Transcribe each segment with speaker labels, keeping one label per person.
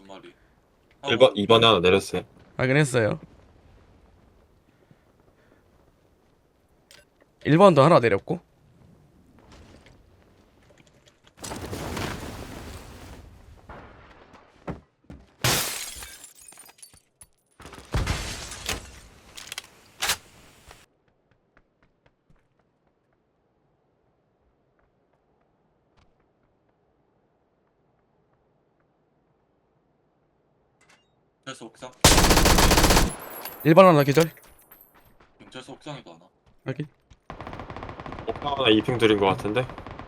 Speaker 1: 마리.
Speaker 2: 1번, 2번에 하나 내렸어요.
Speaker 3: 확인했어요. 1번도 하나 내렸고.
Speaker 1: 경찰서 옥상?
Speaker 3: 1번 하나 기절.
Speaker 1: 경찰서 옥상에도 하나.
Speaker 3: 확인.
Speaker 2: 하나 2핑 드린 것 같은데?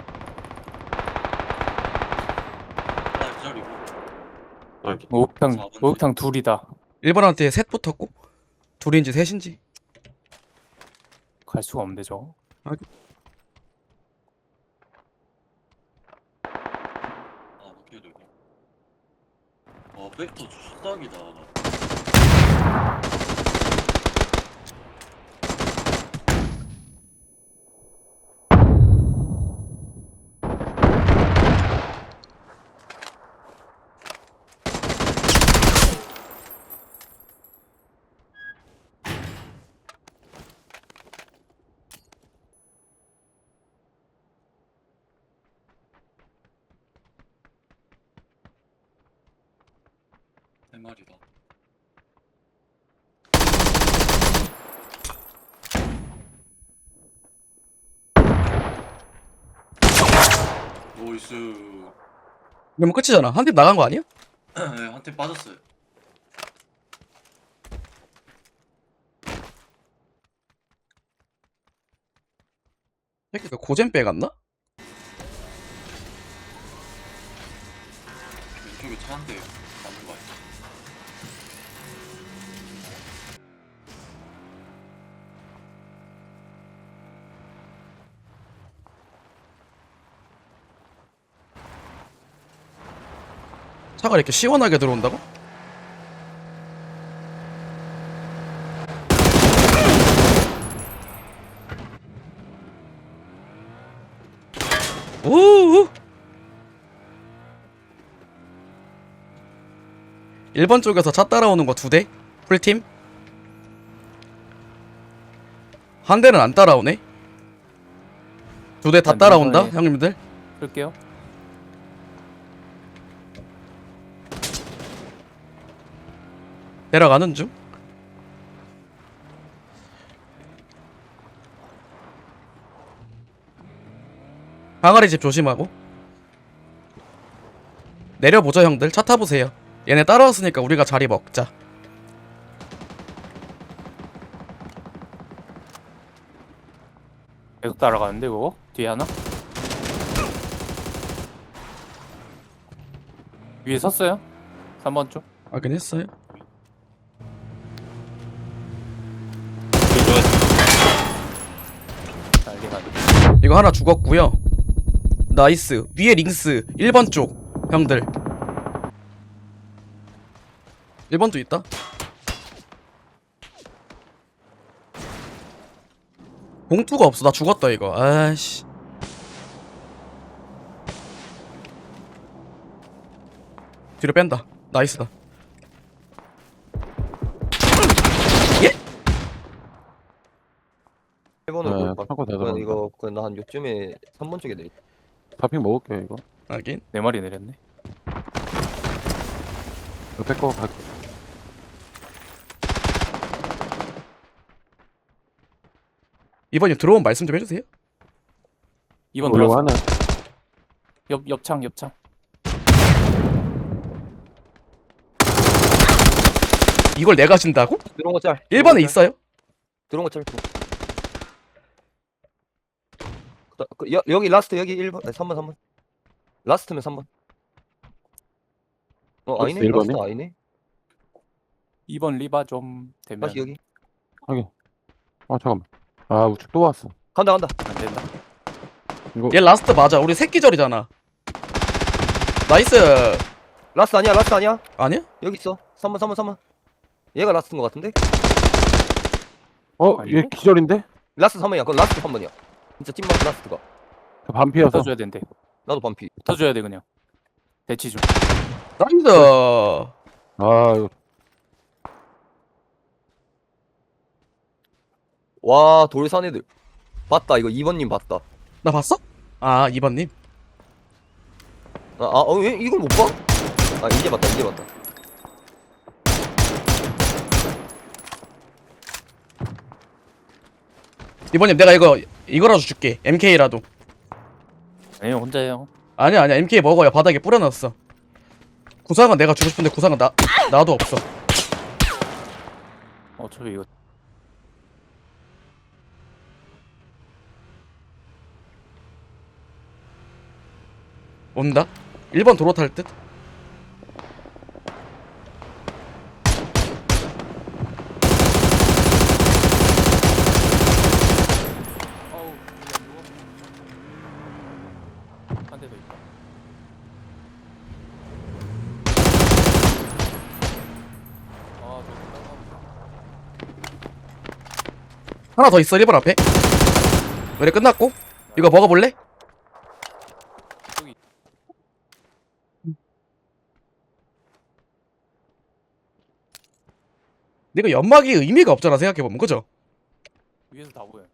Speaker 1: 하나 기절이고.
Speaker 2: 아,
Speaker 4: 목욕탕
Speaker 1: 4번
Speaker 4: 목욕탕 둘이다.
Speaker 3: 1번한테 셋 붙었고. 둘인지 셋인지.
Speaker 4: 갈 수가 없는데 저거.
Speaker 1: 아, 어떻게 되고. 백도 추싹이다. 세 마리다. 노이스.
Speaker 3: 그러면 끝이잖아. 한 팀 나간 거 아니야?
Speaker 1: 네, 한 팀 빠졌어요.
Speaker 3: 새끼가 고젠 빼갔나?
Speaker 1: 왼쪽에 차 한 대 남은 거 아니야?
Speaker 3: 차가 이렇게 시원하게 들어온다고? 우우 1번 쪽에서 차 따라오는 거 2대? 풀팀? 한 대는 안 따라오네? 2대 다
Speaker 4: 아,
Speaker 3: 따라온다?
Speaker 4: 이번에-
Speaker 3: 형님들?
Speaker 4: 끌게요.
Speaker 3: 내려가는 중? 항아리 집 조심하고 내려보자 형들. 차 타보세요. 얘네 따라왔으니까 우리가 자리 먹자.
Speaker 4: 계속 따라가는데 그거? 뒤에 하나? 위에 섰어요? 3번 쪽?
Speaker 3: 확인했어요.
Speaker 4: 난리가 아니야.
Speaker 3: 이거 하나 죽었고요. 나이스. 위에 링스 1번 쪽 형들. 1번도 있다. 봉투가 없어. 나 죽었다 이거. 아이씨. 뒤로 뺀다. 나이스다. 예?
Speaker 5: 1번으로
Speaker 6: 네,
Speaker 5: 올 것.
Speaker 6: 하고
Speaker 5: 그건
Speaker 6: 되더라고요.
Speaker 5: 이거 그건 한 요쯤에 3번 쪽에 내리.
Speaker 6: 파핑 먹을게요 이거.
Speaker 3: 확인.
Speaker 4: 4마리 내렸네.
Speaker 6: 옆에 거 갈게.
Speaker 3: 이번님 들어온 말씀 좀 해주세요.
Speaker 4: 2번
Speaker 6: 올라고
Speaker 4: 들어왔어.
Speaker 6: 하나.
Speaker 4: 옆창.
Speaker 3: 이걸 내가 진다고?
Speaker 5: 들어온 거 짤.
Speaker 3: 1번에 있어요?
Speaker 5: 들어온 거 짤. 여기 라스트 여기 1번. 아니, 3번. 라스트면 3번. 아니네.
Speaker 6: 라스트 1번이?
Speaker 5: 라스트 아니네.
Speaker 4: 2번 리바 좀 되면
Speaker 5: 다시 여기.
Speaker 6: 확인. 잠깐만. 아 우측 또 왔어.
Speaker 5: 간다.
Speaker 4: 안 된다.
Speaker 6: 이거
Speaker 3: 얘 라스트 맞아. 우리 새끼절이잖아. 나이스.
Speaker 5: 라스트 아니야.
Speaker 3: 아니야?
Speaker 5: 여기 있어. 3번. 얘가 라스트인 것 같은데?
Speaker 4: 아니고?
Speaker 6: 얘 기절인데?
Speaker 5: 라스트 3번이야. 그건 라스트 3번이야. 진짜 찐맛 라스트가.
Speaker 6: 저 반피여서.
Speaker 4: 붙어줘야 된대.
Speaker 5: 나도 반피.
Speaker 4: 붙어줘야 돼 그냥. 대치 중.
Speaker 3: 나이스.
Speaker 6: 아, 이거
Speaker 5: 와 돌산 애들 봤다. 이거 2번님 봤다.
Speaker 3: 나 봤어? 아 2번님.
Speaker 5: 왜 이걸 못 봐? 아 이제 봤다. 이제 봤다.
Speaker 3: 이번님 내가 이거라도 줄게. MK라도.
Speaker 4: 아니요 혼자예요.
Speaker 3: 아니야 MK 먹어요. 바닥에 뿌려놨어. 구상은 내가 주고 싶은데 구상은 나도 없어.
Speaker 4: 어차피 이거
Speaker 3: 온다. 1번 도로 탈 듯.
Speaker 4: 어우 한 대 더 있다. 아
Speaker 3: 하나 더 있어 1번 앞에. 노래 끝났고 이거 먹어볼래?
Speaker 4: 저기
Speaker 3: 근데 이거 연막이 의미가 없잖아 생각해보면. 그죠?
Speaker 4: 위에서 다 보여.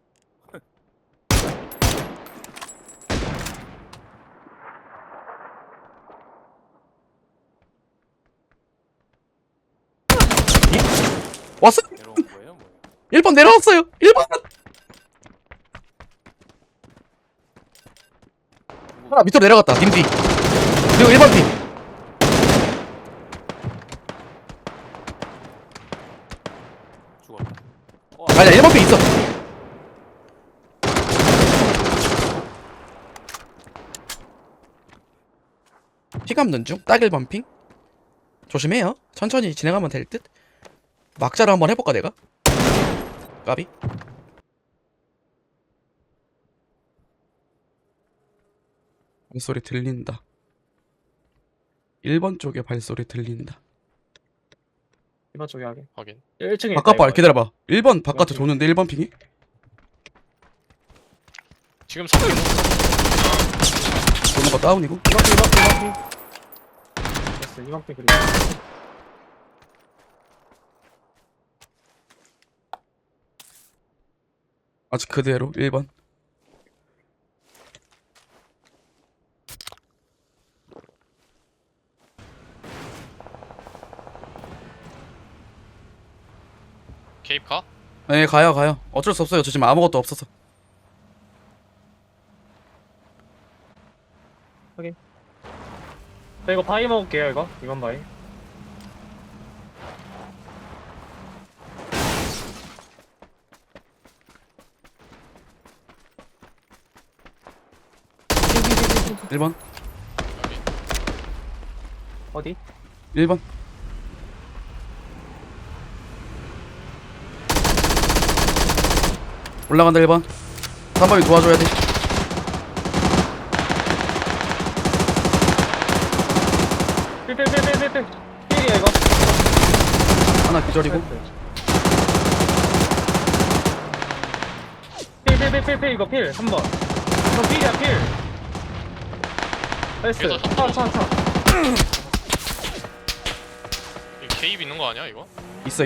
Speaker 3: 왔어?
Speaker 4: 내려온 거예요 뭐예요?
Speaker 3: 1번 내려왔어요. 1번 하나 밑으로 내려갔다. 님뒤. 그리고 1번 팀.
Speaker 4: 죽었다.
Speaker 3: 아니야 1번 팀 있어. 피 감는 중. 딱 1번 핑. 조심해요. 천천히 진행하면 될 듯. 막자로 한번 해볼까 내가? 까비. 발소리 들린다. 1번 쪽에 발소리 들린다.
Speaker 7: 1번 쪽에 하게.
Speaker 8: 확인.
Speaker 7: 1층에
Speaker 3: 바깥 봐. 기다려봐. 1번 바깥에 도는데 1번 핑이?
Speaker 8: 지금 3번
Speaker 3: 도는 거 다운이고.
Speaker 7: 2번 됐어. 2번 그리고
Speaker 3: 아직 그대로 1번.
Speaker 8: 케이프 가?
Speaker 3: 네 가요. 어쩔 수 없어요. 저 지금 아무것도 없어서.
Speaker 7: 자 이거 바위 먹을게요. 이거 2번 바위.
Speaker 8: 여기.
Speaker 3: 1번.
Speaker 7: 어디?
Speaker 3: 1번. 올라간다 1번. 3번이 도와줘야 돼.
Speaker 7: 필. 필이야 이거.
Speaker 3: 하나 기절이고.
Speaker 7: 필 이거 필. 3번. 저 필이야 필. 나이스.
Speaker 8: 그래서
Speaker 7: 차.
Speaker 8: 이거 케이프 있는 거 아니야 이거?
Speaker 3: 있어.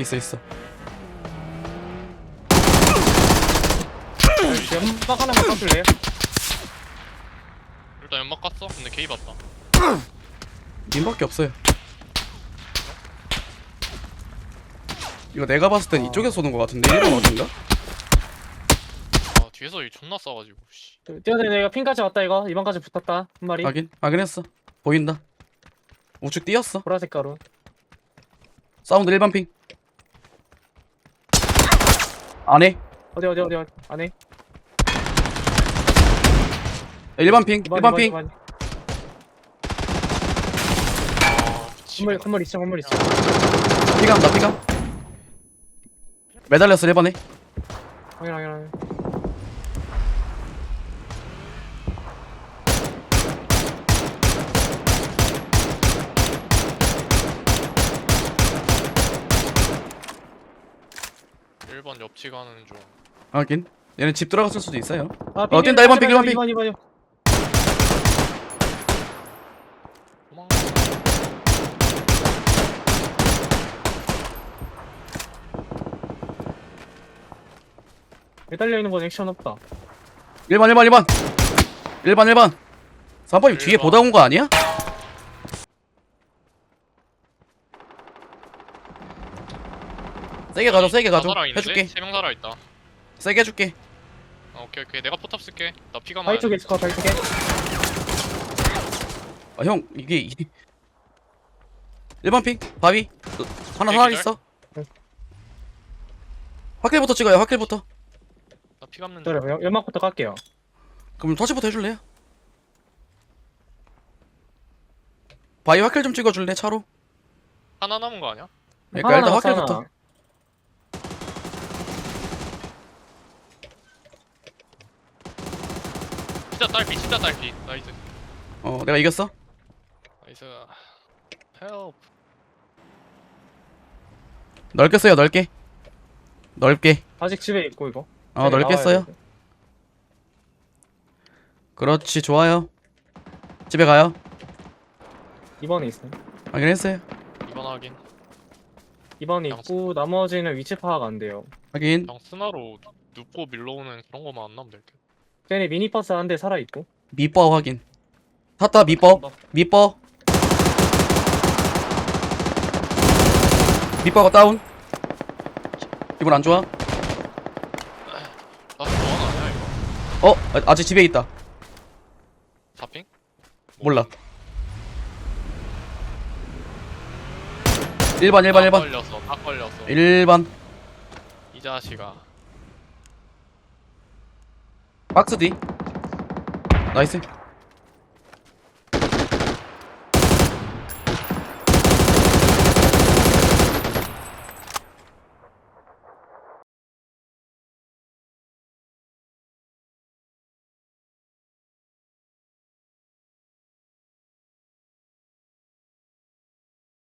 Speaker 7: 연막 하나만 깎을래요?
Speaker 8: 일단 연막 깠어? 근데 케이프 왔다.
Speaker 3: 님밖에 없어요. 이거 내가 봤을 땐 이쪽에서 쏘는 거 같은데 1번 어딘가?
Speaker 8: 아 뒤에서 이 존나 싸가지고 씨.
Speaker 7: 뛰어다니 내가 핀까지 왔다 이거. 2번까지 붙었다. 한 마리.
Speaker 3: 확인했어. 보인다. 우측 뛰었어.
Speaker 7: 보라색 가루.
Speaker 3: 사운드 1번 핑. 안에
Speaker 7: 어디 안에.
Speaker 3: 1번 핑. 1번 핑.
Speaker 8: 아 미치겠네.
Speaker 7: 건물 있어.
Speaker 3: 피감. 매달렸어 1번에.
Speaker 7: 확인.
Speaker 8: 1번 옆치 가는 중.
Speaker 3: 확인. 얘는 집 들어갔을 수도 있어요.
Speaker 7: 뛴다.
Speaker 3: 1번 핑.
Speaker 7: 2번.
Speaker 8: 도망가.
Speaker 7: 매달려 있는 건 액션 없다.
Speaker 3: 1번 1번 3번님 뒤에
Speaker 8: 1번.
Speaker 3: 보다 온 거 아니야? 세게 가줘 세게 가줘 해줄게.
Speaker 8: 3명 살아있다.
Speaker 3: 세게 해줄게.
Speaker 8: 오케이 오케이 내가 포탑 쓸게. 나 피가
Speaker 7: 바위
Speaker 8: 많아.
Speaker 7: 쪽에 있을 것 같아, 바위 쪽에.
Speaker 3: 아 형 이게 1번 핑 바위 하나
Speaker 8: 오케이,
Speaker 3: 하나
Speaker 8: 기절.
Speaker 3: 있어.
Speaker 7: 응.
Speaker 3: 확킬부터 찍어요 확킬부터.
Speaker 8: 나 피가 없는 중.
Speaker 7: 기다려, 연막부터 깔게요.
Speaker 3: 그럼 터치부터 해줄래요? 바위 확킬 좀 찍어줄래 차로?
Speaker 8: 하나 남은 거 아니야?
Speaker 3: 그러니까 일단
Speaker 7: 남았어,
Speaker 3: 확킬부터.
Speaker 7: 하나.
Speaker 8: 진짜 딸피. 나이스.
Speaker 3: 내가 이겼어.
Speaker 8: 나이스. 헬프.
Speaker 3: 넓게 써요 넓게. 넓게.
Speaker 7: 아직 집에 있고, 이거.
Speaker 3: 넓게
Speaker 7: 나와야
Speaker 3: 써요.
Speaker 7: 돼.
Speaker 3: 그렇지 좋아요. 집에 가요.
Speaker 7: 2번에 있어.
Speaker 3: 확인했어요.
Speaker 8: 2번 확인.
Speaker 7: 2번에 있고, 나머지는 위치 파악 안 돼요.
Speaker 3: 확인.
Speaker 8: 그냥 스나로 눕고 밀러오는 그런 거만 안 나면 될 듯.
Speaker 7: 쟤네 미니버스 한 대 살아있고.
Speaker 3: 밑버 확인. 탔다 밑버. 밑버. 밑버가 다운. 기분 안 좋아?
Speaker 8: 나 좋아하는 아니야 이거?
Speaker 3: 아직 집에 있다.
Speaker 8: 4핑?
Speaker 3: 몰라. 1번
Speaker 8: 다 걸렸어.
Speaker 3: 1번
Speaker 8: 이 자식아.
Speaker 3: 박스 뒤. 나이스.